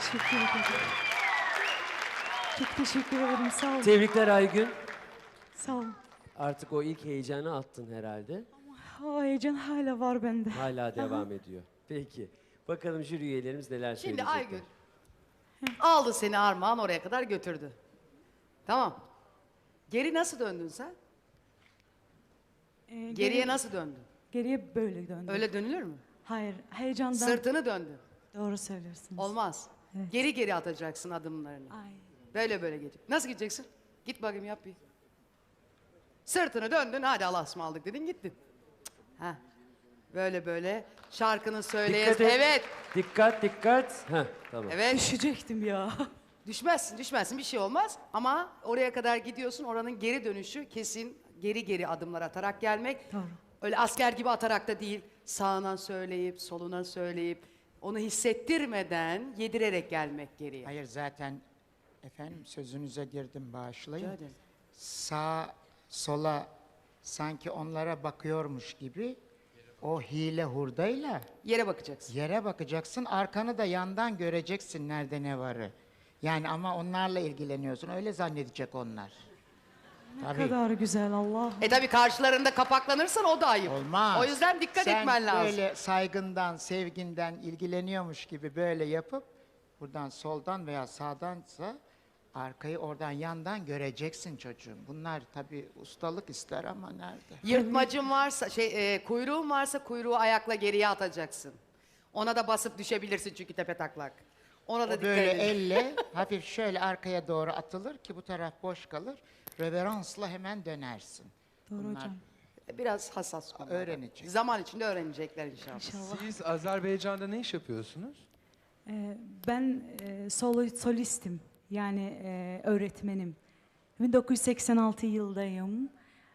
Teşekkür ederim. Çok teşekkür ederim. Sağ olun. Tebrikler Aygün. Sağ olun. Artık o ilk heyecanı attın herhalde. O heyecan hala var bende. Hala devam ediyor. Peki. Bakalım jüri üyelerimiz neler Şimdi söyleyecekler. Aygün aldı seni Armağan oraya kadar götürdü. Tamam. Geri nasıl döndün sen? Geriye nasıl döndün? Geriye böyle döndüm. Öyle dönülür mü? Hayır, heyecandan. Sırtını döndün. Doğru söylüyorsunuz. Olmaz. Evet. Geri geri atacaksın adımlarını. Ay. Böyle böyle gidecek. Nasıl gideceksin? Git bakayım yap bir. Sırtını döndün hadi Allah'a ısmarladık dedin gittin. Ha. Böyle böyle şarkını söyleyes. Dikkat et. Evet. Dikkat dikkat. Heh, tamam. Evet. Düşecektim ya. Düşmezsin bir şey olmaz ama oraya kadar gidiyorsun oranın geri dönüşü kesin geri geri adımlar atarak gelmek. Doğru. Öyle asker gibi atarak da değil sağına söyleyip soluna söyleyip onu hissettirmeden yedirerek gelmek geriye. Hayır zaten efendim sözünüze girdim bağışlayın. Rica ederim. Sağ sola sanki onlara bakıyormuş gibi o hile hurdayla Yere bakacaksın. yere bakacaksın, arkanı da yandan göreceksin nerede ne varı. Yani ama onlarla ilgileniyorsun, öyle zannedecek onlar. Ne kadar güzel Allah. Tabi karşılarında kapaklanırsan o da ayıp. Olmaz. O yüzden dikkat etmen lazım. Sen böyle saygından, sevginden ilgileniyormuş gibi böyle yapıp buradan soldan veya sağdansa arkayı oradan yandan göreceksin çocuğum. Bunlar tabii ustalık ister ama nerede? Yırtmacın varsa, kuyruğun varsa kuyruğu ayakla geriye atacaksın. Ona da basıp düşebilirsin çünkü tepe taklak. Ona da O dikkat böyle edin. elle hafif şöyle arkaya doğru atılır ki bu taraf boş kalır. Reveransla hemen dönersin. Doğru Bunlar hocam. Biraz hassas konular. öğrenecek. Zaman içinde öğrenecekler inşallah. İnşallah. Siz Azerbaycan'da ne iş yapıyorsunuz? Ben solistim. Yani öğretmenim. 1986 yıldayım.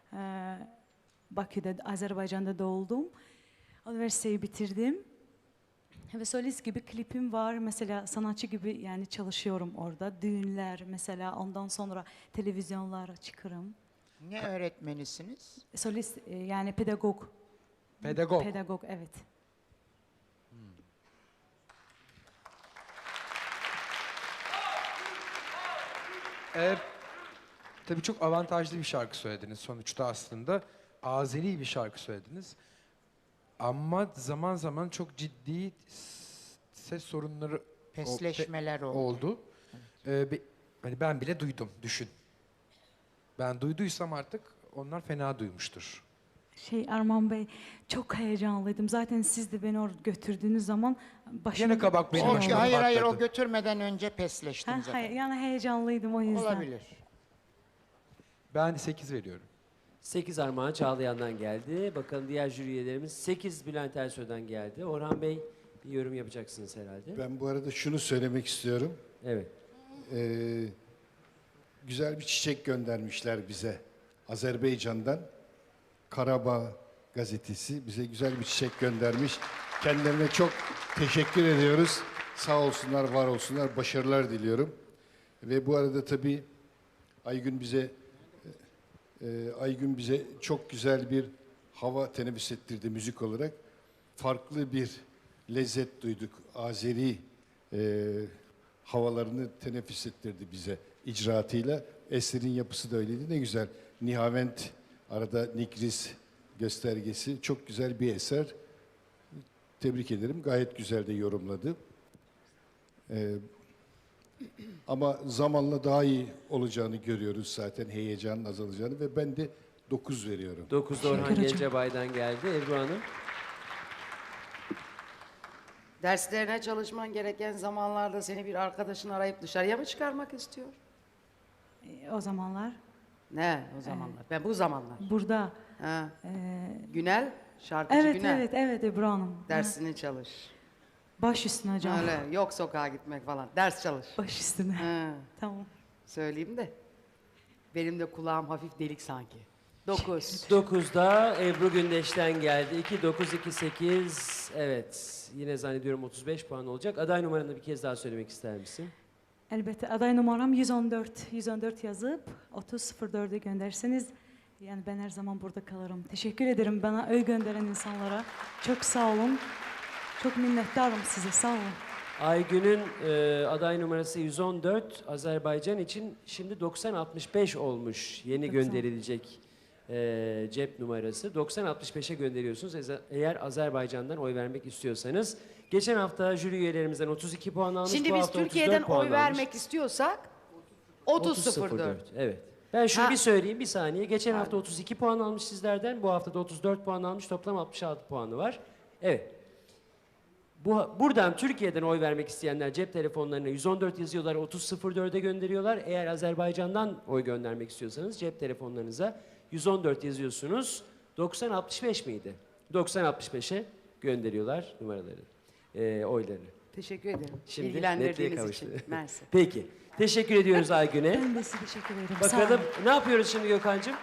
Bakü'de, Azerbaycan'da doğdum. Üniversiteyi bitirdim. Ve solist gibi klipim var. Mesela sanatçı gibi yani çalışıyorum orada. Düğünler mesela ondan sonra televizyonlara çıkarım. Ne öğretmenisiniz? Solist yani pedagog. Pedagog. Pedagog evet. Tabii çok avantajlı bir şarkı söylediniz sonuçta aslında. Azeri bir şarkı söylediniz. Ama zaman zaman çok ciddi ses sorunları Pesleşmeler oldu. oldu. Hani ben bile duydum, düşün. Ben duyduysam artık onlar fena duymuştur. Arman Bey çok heyecanlıydım. Zaten siz de beni oraya götürdüğünüz zaman başım... Yine kabak benim O, başıma hayır o patladı. götürmeden önce pesleştim zaten. Hayır, yani heyecanlıydım o yüzden. Olabilir. Ben 8 veriyorum. 8 Armağan Çağlayan'dan geldi. Bakalım diğer jüri üyelerimiz 8 Bülent Ersoy'dan geldi. Orhan Bey bir yorum yapacaksınız herhalde. Ben bu arada şunu söylemek istiyorum. Evet. Güzel bir çiçek göndermişler bize Azerbaycan'dan. Karabağ gazetesi bize güzel bir çiçek göndermiş. Kendilerine çok teşekkür ediyoruz. Sağ olsunlar, var olsunlar. Başarılar diliyorum. Ve bu arada tabii Aygün bize çok güzel bir hava teneffüs ettirdi müzik olarak. Farklı bir lezzet duyduk. Azeri havalarını teneffüs ettirdi bize icraatıyla. Eserin yapısı da öyleydi. Ne güzel. Nihavent, arada Nikris göstergesi. Çok güzel bir eser. Tebrik ederim. Gayet güzel de yorumladı. Ama zamanla daha iyi olacağını görüyoruz zaten. Heyecanın azalacağını ve ben de 9 veriyorum. 9'da Orhan Teşekkür ederim. Gencebay'dan geldi. Ebru Hanım. Derslerine çalışman gereken zamanlarda seni bir arkadaşın arayıp dışarıya mı çıkarmak istiyor? O zamanlar Ne o zamanlar? Ben bu zamanlar. burada. Ha. Günel, şarkıcı Evet, Günel. evet Ebru Hanım. Dersini çalış. Baş üstüne hocam. Öyle yok sokağa gitmek falan. Ders çalış. Baş üstüne. Ha. Tamam. Söyleyeyim de. Benim de kulağım hafif delik sanki. 9. 9'da Ebru Gündeş'ten geldi. 2, 9, 2, 8. Evet. Yine zannediyorum 35 puan olacak. Aday numaranı bir kez daha söylemek ister misin? Elbette aday numaram 114. 114 yazıp 3004'e gönderseniz yani ben her zaman burada kalırım. Teşekkür ederim bana gönderen insanlara. Çok sağ olun. Çok minnettarım size. Sağ olun. Aygün'ün aday numarası 114, Azerbaycan için şimdi 9065 olmuş yeni 90. gönderilecek cep numarası. 9065'e gönderiyorsunuz eğer Azerbaycan'dan oy vermek istiyorsanız. Geçen hafta jüri üyelerimizden 32 puan almış, Şimdi bu biz hafta Türkiye'den 34 puan oy almış. vermek istiyorsak 30.04. Evet. Ben şunu Ha. bir söyleyeyim bir saniye. Geçen hafta 32 puan almış sizlerden. Bu hafta da 34 puan almış. Toplam 66 puanı var. Evet. Buradan Türkiye'den oy vermek isteyenler cep telefonlarına 114 yazıyorlar, 30.04'e gönderiyorlar. Eğer Azerbaycan'dan oy göndermek istiyorsanız cep telefonlarınıza 114 yazıyorsunuz. 9065 miydi? 9065'e gönderiyorlar numaraları, oylarını. Teşekkür ederim. Şimdi İlgilendirdiğiniz netliğe kavuştu. için. Mersi. Peki. Teşekkür ediyoruz Aygün'e. Ben de size teşekkür ederim. Sağ Bakalım olun. ne yapıyoruz şimdi Gökhan'cığım?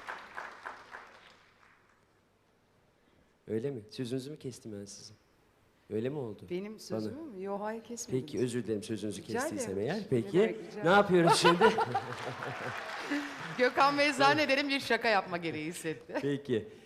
Öyle mi? Sözünüzü mü kestim ben sizin? Öyle mi oldu? Benim sözümü mü? Yok, hayır kesmediniz. Peki özür dilerim sözünüzü Rica kestiysem ederim. eğer. Ne Peki demek, rica ne ederim. yapıyoruz şimdi? Gökhan Bey zannederim bir şaka yapma gereği hissetti. Peki.